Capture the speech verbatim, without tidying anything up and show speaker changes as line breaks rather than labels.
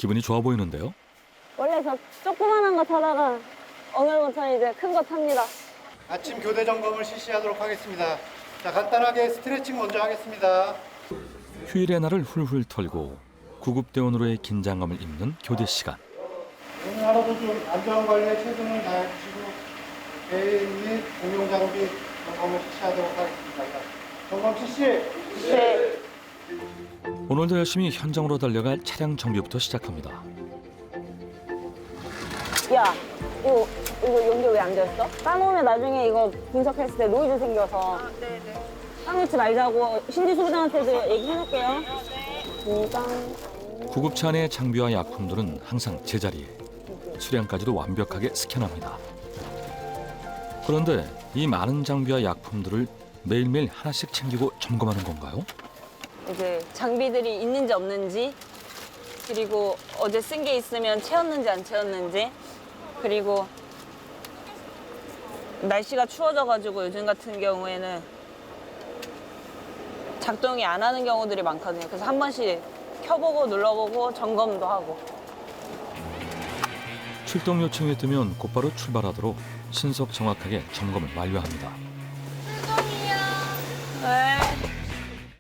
기분이 좋아 보이는데요.
원래 저 조그만한 거 타다가 오늘부터는 이제 큰 거 탑니다.
아침 교대 점검을 실시하도록 하겠습니다. 자, 간단하게 스트레칭 먼저 하겠습니다.
휴일의 날을 훌훌 털고 구급대원으로의 긴장감을 잇는 교대 시간.
오늘 하루도 좀 안전관리에 최선을 다해주시고 개인 및 공용 장비 점검을 실시하도록 하겠습니다. 점검 실시!
네.
오늘도 열심히 현장으로 달려갈 차량 정비부터 시작합니다.
야, 이거, 이거 연결 왜 안 되었어? 까놓으면 나중에 이거 분석했을 때 노이즈 생겨서. 아, 네네. 까놓지 말자고 신지 소장한테도 얘기해놓을게요. 인강.
구급차 안의 장비와 약품들은 항상 제자리에, 수량까지도 완벽하게 스캔합니다. 그런데 이 많은 장비와 약품들을 매일매일 하나씩 챙기고 점검하는 건가요?
이제 장비들이 있는지 없는지, 그리고 어제 쓴 게 있으면 채웠는지 안 채웠는지, 그리고 날씨가 추워져가지고 요즘 같은 경우에는 작동이 안 하는 경우들이 많거든요. 그래서 한 번씩 켜보고 눌러보고 점검도 하고.
출동 요청이 뜨면 곧바로 출발하도록 신속 정확하게 점검을 완료합니다.
네.